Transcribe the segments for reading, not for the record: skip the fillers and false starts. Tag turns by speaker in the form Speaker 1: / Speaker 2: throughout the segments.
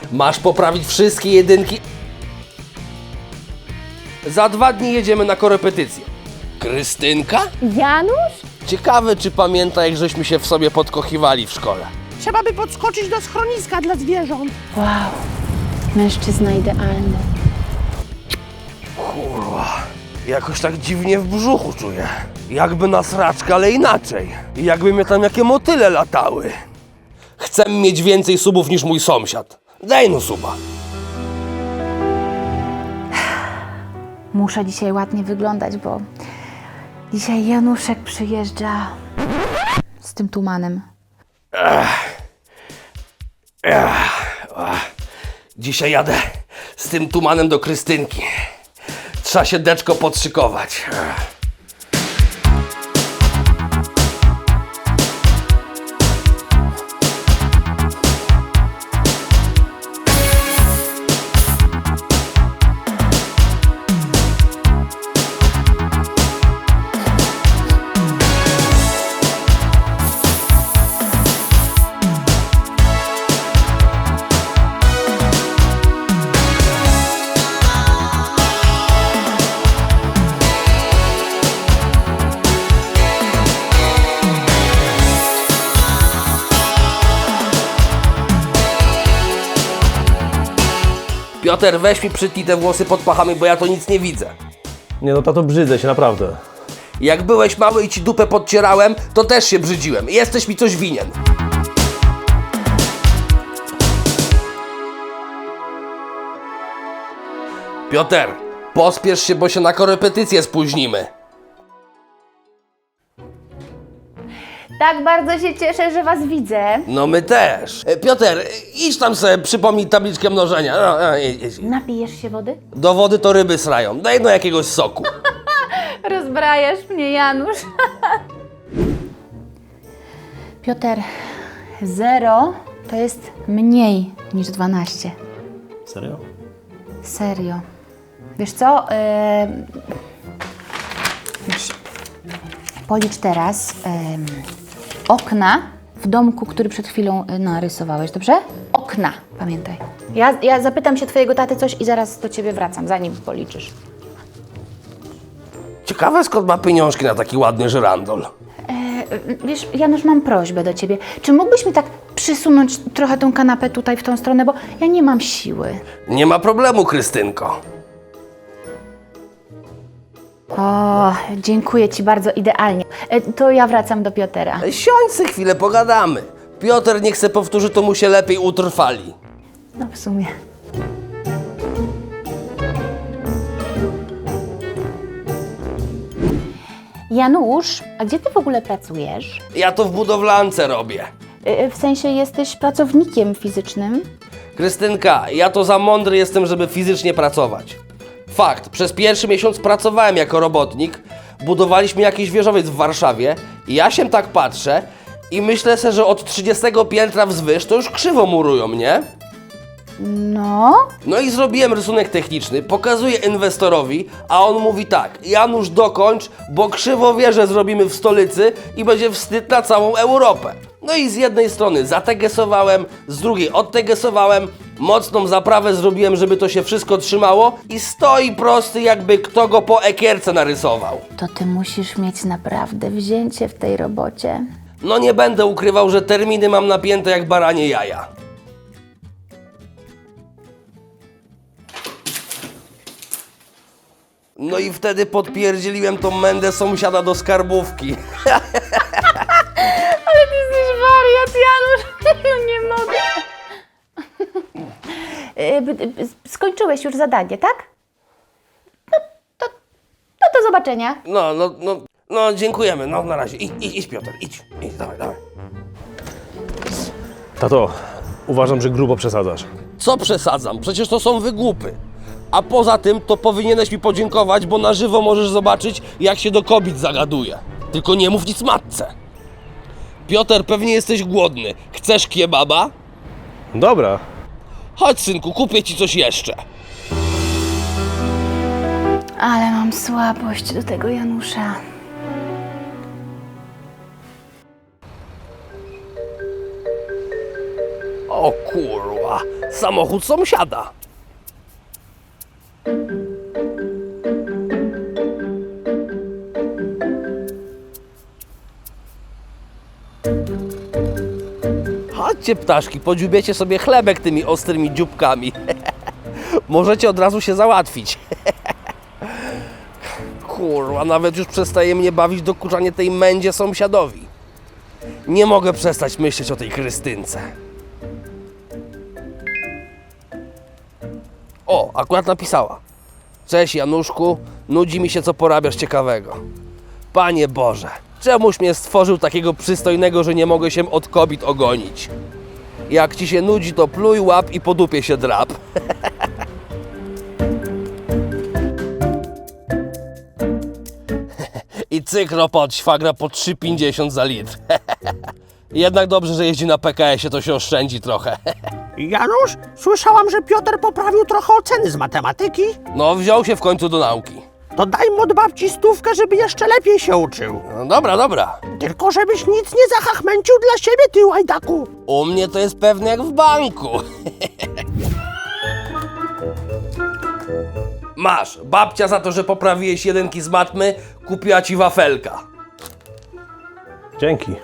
Speaker 1: Masz poprawić wszystkie jedynki. Za 2 dni jedziemy na korepetycję. Krystynka?
Speaker 2: Janusz?
Speaker 1: Ciekawe, czy pamięta, jak żeśmy się w sobie podkochiwali w szkole.
Speaker 3: Trzeba by podskoczyć do schroniska dla zwierząt.
Speaker 2: Wow, mężczyzna idealny.
Speaker 1: Kurwa, jakoś tak dziwnie w brzuchu czuję. Jakby na sraczkę, ale inaczej. I jakby mnie tam jakie motyle latały. Chcę mieć więcej subów niż mój sąsiad. Daj no suba.
Speaker 2: Muszę dzisiaj ładnie wyglądać, bo dzisiaj Januszek przyjeżdża z tym tumanem.
Speaker 1: Dzisiaj jadę z tym tumanem do Krystynki. Trzeba się deczko podszykować. Piotr, weź mi przytnij te włosy pod pachami, bo ja to nic nie widzę.
Speaker 4: Nie no, tato, brzydzę się, naprawdę.
Speaker 1: Jak byłeś mały i ci dupę podcierałem, to też się brzydziłem. Jesteś mi coś winien. Piotr, pospiesz się, bo się na korepetycję spóźnimy.
Speaker 2: Tak bardzo się cieszę, że was widzę.
Speaker 1: No my też. Piotr, idź tam sobie, przypomnij tabliczkę mnożenia. Idź.
Speaker 2: Napijesz się wody?
Speaker 1: Do wody to ryby srają. Daj no jakiegoś soku.
Speaker 2: Rozbrajasz mnie, Janusz. Piotr, 0 to jest mniej niż 12.
Speaker 4: Serio?
Speaker 2: Serio. Wiesz co? Wiesz, policz teraz okna w domku, który przed chwilą narysowałeś, dobrze? Okna, pamiętaj. Ja zapytam się twojego taty coś i zaraz do ciebie wracam, zanim policzysz.
Speaker 1: Ciekawe, skąd ma pieniążki na taki ładny żyrandol.
Speaker 2: Wiesz, Janusz, mam prośbę do ciebie. Czy mógłbyś mi tak przysunąć trochę tą kanapę tutaj w tą stronę, bo ja nie mam siły.
Speaker 1: Nie ma problemu, Krystynko.
Speaker 2: O, dziękuję ci bardzo, idealnie. To ja wracam do Piotra.
Speaker 1: Siądź se chwilę, pogadamy. Piotr niech se powtórzy, to mu się lepiej utrwali.
Speaker 2: No w sumie. Janusz, a gdzie ty w ogóle pracujesz?
Speaker 1: Ja to w budowlance robię.
Speaker 2: W sensie jesteś pracownikiem fizycznym?
Speaker 1: Krystynka, ja to za mądry jestem, żeby fizycznie pracować. Fakt, przez pierwszy miesiąc pracowałem jako robotnik, budowaliśmy jakiś wieżowiec w Warszawie i ja się tak patrzę i myślę sobie, że od 30 piętra wzwyż to już krzywo murują, nie?
Speaker 2: No.
Speaker 1: No i zrobiłem rysunek techniczny, pokazuję inwestorowi, a on mówi tak: Janusz, dokończ, bo krzywo wieżę zrobimy w stolicy i będzie wstyd na całą Europę. No i z jednej strony zategesowałem, z drugiej odtegesowałem, mocną zaprawę zrobiłem, żeby to się wszystko trzymało i stoi prosty, jakby kto go po ekierce narysował.
Speaker 2: To ty musisz mieć naprawdę wzięcie w tej robocie.
Speaker 1: No nie będę ukrywał, że terminy mam napięte jak baranie jaja. No i wtedy podpierdzieliłem tą mędę sąsiada do skarbówki.
Speaker 2: Ale ty jesteś wariat, Janusz. Nie mogę. Skończyłeś już zadanie, tak? No to zobaczenia.
Speaker 1: No, dziękujemy, no na razie. Idź Piotr, idź, dawaj.
Speaker 4: Tato, uważam, że grubo przesadzasz.
Speaker 1: Co przesadzam? Przecież to są wygłupy. A poza tym to powinieneś mi podziękować, bo na żywo możesz zobaczyć, jak się do kobiet zagaduje. Tylko nie mów nic matce. Piotr, pewnie jesteś głodny. Chcesz kebaba?
Speaker 4: Dobra.
Speaker 1: Chodź, synku, kupię ci coś jeszcze.
Speaker 2: Ale mam słabość do tego Janusza.
Speaker 1: O kurwa, Samochód sąsiada. Chodźcie, ptaszki, podziubiecie sobie chlebek tymi ostrymi dzióbkami. Możecie od razu się załatwić. Kurwa, nawet już przestaje mnie bawić dokuczanie tej mędzie sąsiadowi. Nie mogę przestać myśleć o tej Krystynce. O, akurat napisała. Cześć Januszku, nudzi mi się, co porabiasz ciekawego. Panie Boże, czemuś mnie stworzył takiego przystojnego, że nie mogę się od kobiet ogonić. Jak ci się nudzi, to pluj, łap i po dupie się drap. I cykro pod świagra po 3,50 za litr. Jednak dobrze, że jeździ na PKS-ie, to się oszczędzi trochę.
Speaker 3: Janusz, słyszałam, że Piotr poprawił trochę oceny z matematyki.
Speaker 1: No, wziął się w końcu do nauki.
Speaker 3: To daj mu od babci 100, żeby jeszcze lepiej się uczył.
Speaker 1: No dobra, dobra.
Speaker 3: Tylko żebyś nic nie zachachmęcił dla siebie, ty łajdaku.
Speaker 1: U mnie to jest pewnie jak w banku. Masz, babcia za to, że poprawiłeś jedynki z matmy, kupiła ci wafelka.
Speaker 4: Dzięki.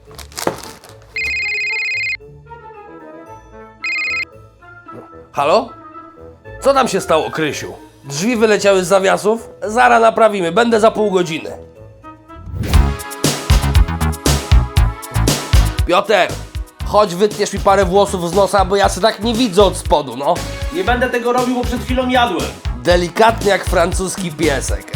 Speaker 1: Halo? Co tam się stało, Krysiu? Drzwi wyleciały z zawiasów? Zara naprawimy, będę za pół godziny. Piotr, chodź wytniesz mi parę włosów z nosa, bo ja się tak nie widzę od spodu, no.
Speaker 4: Nie będę tego robił, bo przed chwilą jadłem.
Speaker 1: Delikatnie jak francuski piesek.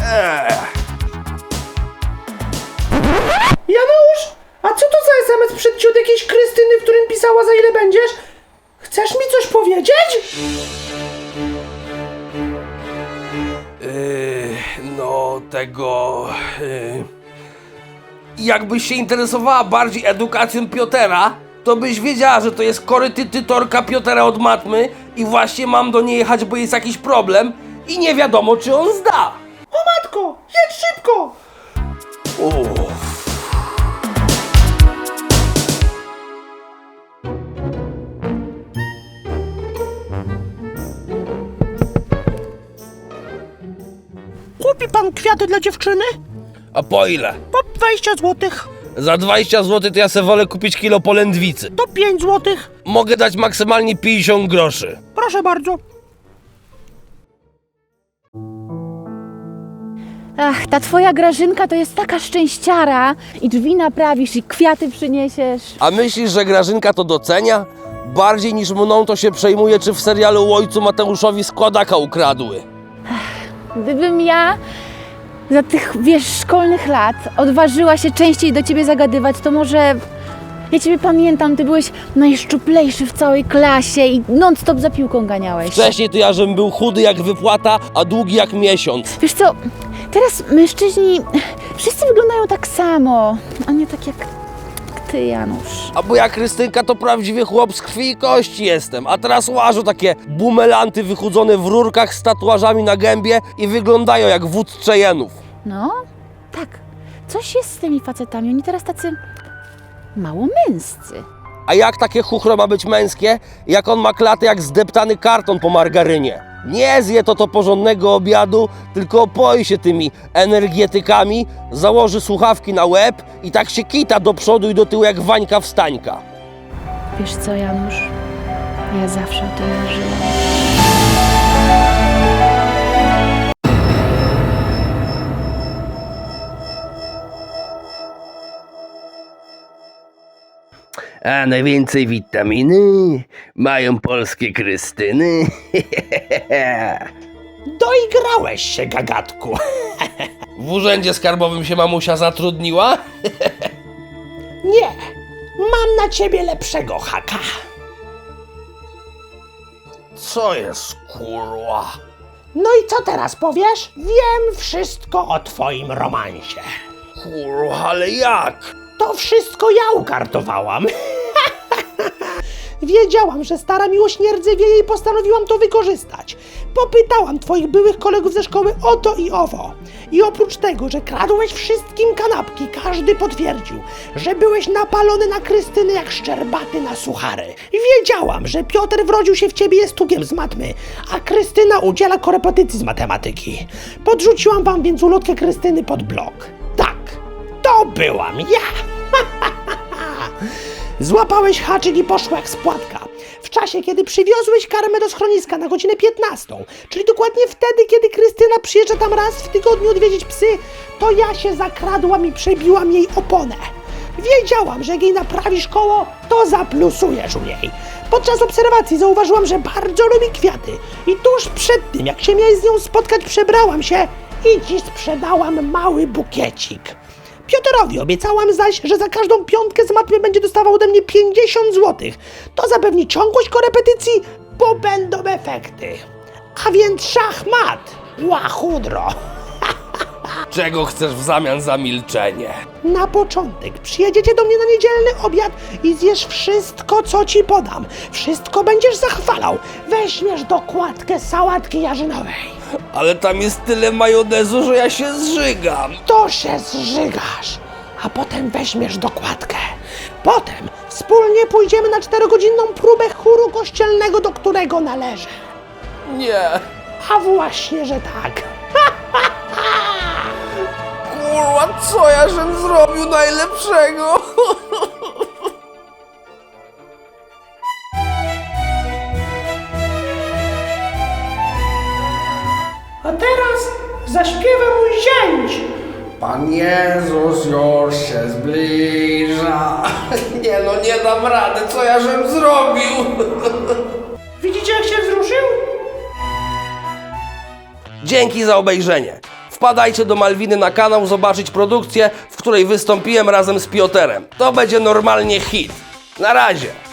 Speaker 3: Janusz, a co to za SMS przed od jakiejś Krystyny, w którym pisała, za ile będziesz? Chcesz mi coś powiedzieć?
Speaker 1: No tego... Jakbyś się interesowała bardziej edukacją Piotera, to byś wiedziała, że to jest korepetytorka Piotera od matmy i właśnie mam do niej jechać, bo jest jakiś problem i nie wiadomo, czy on zda.
Speaker 3: O matko, jedź szybko!
Speaker 1: Uff.
Speaker 3: Kupi pan kwiaty dla dziewczyny?
Speaker 1: A po ile?
Speaker 3: Po 20 złotych.
Speaker 1: Za 20 zł to ja se wolę kupić kilo polędwicy.
Speaker 3: To 5 złotych.
Speaker 1: Mogę dać maksymalnie 50 groszy.
Speaker 3: Proszę bardzo.
Speaker 2: Ach, ta twoja Grażynka to jest taka szczęściara. I drzwi naprawisz, i kwiaty przyniesiesz.
Speaker 1: A myślisz, że Grażynka to docenia? Bardziej niż mną to się przejmuje, czy w serialu o ojcu Mateuszowi składaka ukradły.
Speaker 2: Gdybym ja za tych, wiesz, szkolnych lat odważyła się częściej do ciebie zagadywać, to może... Ja ciebie pamiętam, ty byłeś najszczuplejszy w całej klasie i non-stop za piłką ganiałeś.
Speaker 1: Wcześniej to ja, żebym był chudy jak wypłata, a długi jak miesiąc.
Speaker 2: Wiesz co, teraz mężczyźni wszyscy wyglądają tak samo, a nie tak jak ty, Janusz.
Speaker 1: A bo ja, Krystynka, to prawdziwy chłop z krwi i kości jestem. A teraz łażą takie bumelanty wychudzone w rurkach z tatuażami na gębie i wyglądają jak wódz Cheyenne'ów.
Speaker 2: No, tak. Coś jest z tymi facetami, oni teraz tacy mało męscy.
Speaker 1: A jak takie chuchro ma być męskie, jak on ma klatę jak zdeptany karton po margarynie? Nie zje to porządnego obiadu, tylko opoi się tymi energetykami, założy słuchawki na łeb i tak się kita do przodu i do tyłu jak Wańka Wstańka.
Speaker 2: Wiesz co, Janusz? Ja zawsze o tym marzyłam.
Speaker 1: A najwięcej witaminy mają polskie Krystyny.
Speaker 3: Doigrałeś się, gagatku.
Speaker 1: W urzędzie skarbowym się mamusia zatrudniła?
Speaker 3: Nie, mam na ciebie lepszego haka.
Speaker 1: Co jest, kurwa?
Speaker 3: No i co teraz powiesz? Wiem wszystko o twoim romansie.
Speaker 1: Kurwa, ale jak?
Speaker 3: To wszystko ja ukartowałam. Wiedziałam, że stara miłość nie rdzewieje i postanowiłam to wykorzystać. Popytałam twoich byłych kolegów ze szkoły o to i owo. I oprócz tego, że kradłeś wszystkim kanapki, każdy potwierdził, że byłeś napalony na Krystynę jak szczerbaty na suchary. Wiedziałam, że Piotr wrodził się w ciebie jestugiem z matmy, a Krystyna udziela korepetycji z matematyki. Podrzuciłam wam więc ulotkę Krystyny pod blok. Tak, to byłam ja! Złapałeś haczyk i poszło jak spłatka. W czasie, kiedy przywiozłeś karmę do schroniska na godzinę 15, czyli dokładnie wtedy, kiedy Krystyna przyjeżdża tam raz w tygodniu odwiedzić psy, to ja się zakradłam i przebiłam jej oponę. Wiedziałam, że jak jej naprawisz koło, to zaplusujesz u niej. Podczas obserwacji zauważyłam, że bardzo lubi kwiaty i tuż przed tym, jak się miałeś z nią spotkać, przebrałam się i ci sprzedałam mały bukiecik. Piotrowi obiecałam zaś, że za każdą piątkę z matmy będzie dostawał ode mnie 50 zł. To zapewni ciągłość korepetycji, bo będą efekty. A więc szachmat, łachudro.
Speaker 1: Czego chcesz w zamian za milczenie?
Speaker 3: Na początek przyjedziecie do mnie na niedzielny obiad i zjesz wszystko, co ci podam. Wszystko będziesz zachwalał. Weźmiesz dokładkę sałatki jarzynowej.
Speaker 1: Ale tam jest tyle majonezu, że ja się zżygam.
Speaker 3: To się zżygasz, a potem weźmiesz dokładkę. Potem wspólnie pójdziemy na 4-godzinną próbę chóru kościelnego, do którego należę.
Speaker 1: Nie.
Speaker 3: A właśnie, że tak.
Speaker 1: Kurwa, co ja żem zrobił najlepszego?
Speaker 3: A teraz zaśpiewa mój zięć.
Speaker 1: Pan Jezus już się zbliża. Nie no, nie dam rady, co ja żem zrobił?
Speaker 3: Widzicie, jak się wzruszył?
Speaker 1: Dzięki za obejrzenie. Wpadajcie do Malwiny na kanał zobaczyć produkcję, w której wystąpiłem razem z Piotrem. To będzie normalnie hit. Na razie.